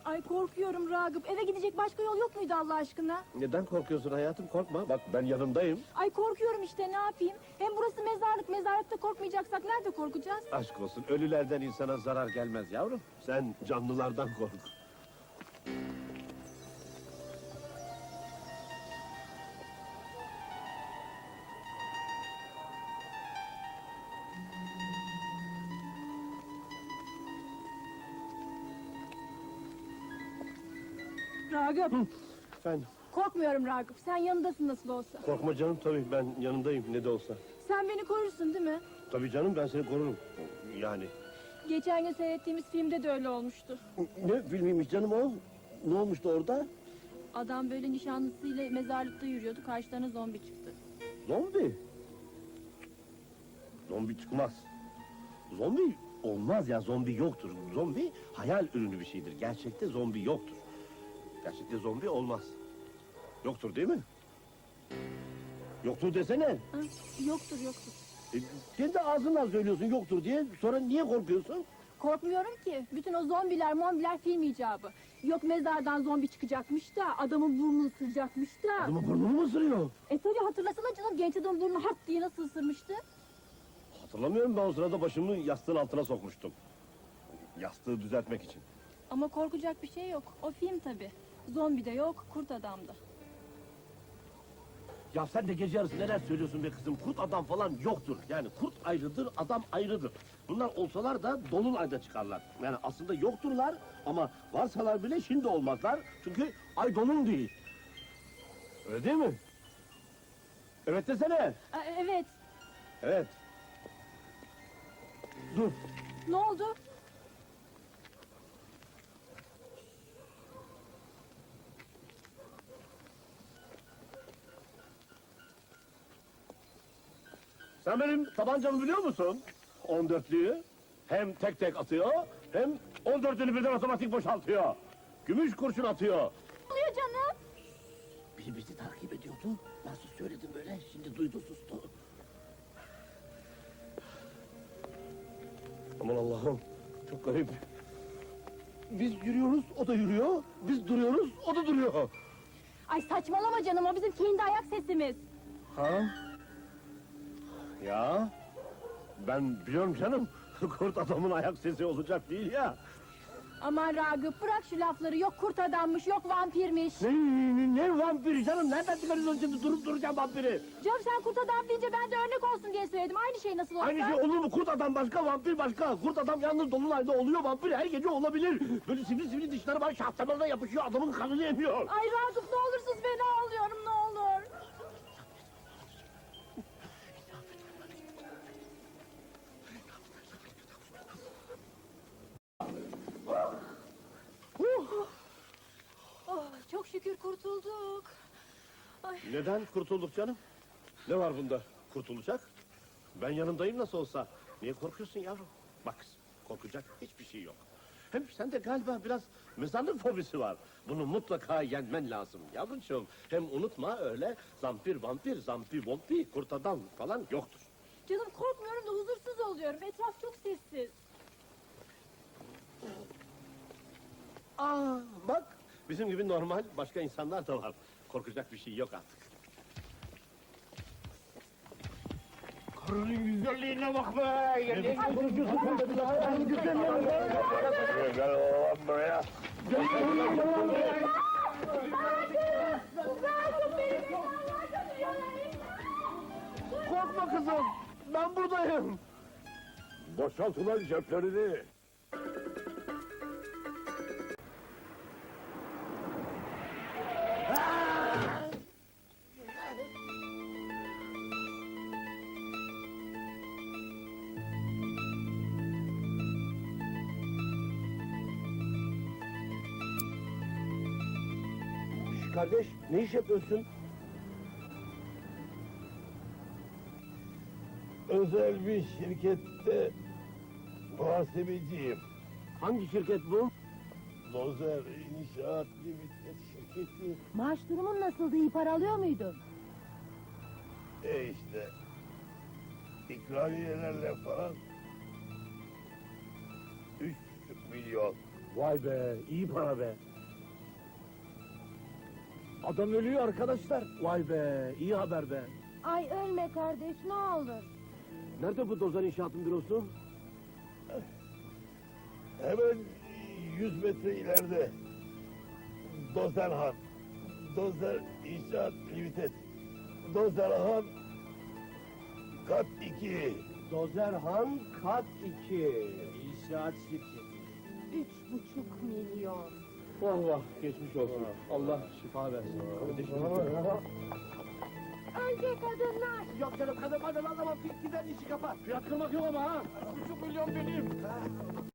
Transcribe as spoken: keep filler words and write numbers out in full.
Ay korkuyorum Ragıp. Eve gidecek başka yol yok muydu Allah aşkına? Neden korkuyorsun hayatım? Korkma. Bak ben yanındayım. Ay korkuyorum işte, ne yapayım? Hem burası mezarlık. Mezarlıkta korkmayacaksak nerede korkacağız? Aşk olsun. Ölülerden insana zarar gelmez yavrum. Sen canlılardan kork. Ragıp. Efendim? Korkmuyorum Ragıp. Sen yanındasın nasıl olsa. Korkma canım, tabii ben yanındayım ne de olsa. Sen beni korursun değil mi? Tabii canım, ben seni korurum. Yani. Geçen gün seyrettiğimiz filmde de öyle olmuştu. Ne filmiymiş canım o? Ne olmuştu orada? Adam böyle nişanlısıyla mezarlıkta yürüyordu. Karşılarına zombi çıktı. Zombi. Zombi çıkmaz. Zombi olmaz ya, zombi yoktur. Zombi hayal ürünü bir şeydir. Gerçekte zombi yoktur. Gerçekte zombi olmaz. Yoktur değil mi? Yoktur desene. Ha, yoktur yoktur. E, kendi ağzından söylüyorsun yoktur diye. Sonra niye korkuyorsun? Korkmuyorum ki. Bütün o zombiler mombiler film icabı. Yok mezardan zombi çıkacakmış da adamın burnunu ısıracakmış da. Adamın burnunu mu ısırıyor? E tabii hatırlasana canım, genç adamın burnunu hart diye nasıl ısırmıştı? Hatırlamıyorum, ben o sırada başımı yastığın altına sokmuştum. Yastığı düzeltmek için. Ama korkacak bir şey yok. O film tabii. Zombi de yok, kurt adam da. Ya sen de gece yarısı neler söylüyorsun be kızım? Kurt adam falan yoktur. Yani kurt ayrıdır, adam ayrıdır. Bunlar olsalar da dolunayda çıkarlar. Yani aslında yokturlar ama varsalar bile şimdi olmazlar. Çünkü ay dolun değil. Öyle değil mi? Evet desene. Aa, evet. Evet. Dur. Ne oldu? Sen benim tabancamı biliyor musun? On dörtlüyü. Hem tek tek atıyor, hem on dörtlünü birden otomatik boşaltıyor. Gümüş kurşun atıyor. Ne oluyor canım? Biri bizi takip ediyordu. Nasıl söyledim böyle, şimdi duydu sustu. Aman Allah'ım, çok garip. Biz yürüyoruz, o da yürüyor. Biz duruyoruz, o da duruyor. Ay saçmalama canım, o bizim kendi ayak sesimiz. Ha? Ya, ben biliyorum canım. Kurt adamın ayak sesi olacak değil ya. Aman Ragıp bırak şu lafları, yok kurt adammış, yok vampirmiş. Ne, ne, ne vampiri canım? Nereden çıkarıyorsun şimdi durup duracağım vampiri? Canım sen kurt adam deyince ben de örnek olsun diye söyledim. Aynı şey nasıl olsa. Aynı şey olur mu? Kurt adam başka, vampir başka. Kurt adam yalnız dolunayda oluyor, vampir her gece olabilir. Böyle sivri sivri dişleri var, şahtalarına yapışıyor, adamın kanını emiyor. Ay Ragıp ne olursunuz, fena oluyorum, ne olur. Oh, çok şükür kurtulduk. Ay. Neden kurtulduk canım? Ne var bunda kurtulacak? Ben yanındayım nasıl olsa. Niye korkuyorsun yavrum? Bak kızım, korkacak hiçbir şey yok. Hem sende galiba biraz mezarlık fobisi var. Bunu mutlaka yenmen lazım yavrucuğum. Hem unutma öyle zampir vampir, zampi vompi, kurt adam falan yoktur. Canım korkmuyorum da huzursuz oluyorum. Etraf çok sessiz. Aa bak, bizim gibi normal başka insanlar da var. Korkacak bir şey yok artık. Karının güzelliğine bak be! Ne konuşuyorsun sen de bir daha? Yani güzelliğine bak. Gel oğlum buraya! Korkma kızım, ben buradayım. Boşalt ulan ceplerini! Kardeş, ne iş yapıyorsun? Özel bir şirkette muhasebeciyim. Hangi şirket bu? Dozer İnşaat Limited şirketi. Maaş durumun nasıldı? İyi para alıyor muydun? E işte. İkramiyelerle falan. Üç buçuk milyon. Vay be, iyi para be. Adam ölüyor arkadaşlar. Vay be, iyi haber be. Ay ölme kardeş ne olur. Nerede bu Dozer İnşaat'ın bürosu? Hemen yüz metre ileride. Dozerhan. Dozer İnşaat Limited. Dozerhan kat iki. Dozerhan kat iki. İnşaat şirketi. Üç buçuk milyon. Vah vah, geçmiş olsun. Allah şifa versin. Kardeşim. Önce kadınlar. Yok canım, kadın kadın anlamam. Gider işi kapat. Fiyat kırmak yok ama ha. Üç buçuk milyon benim.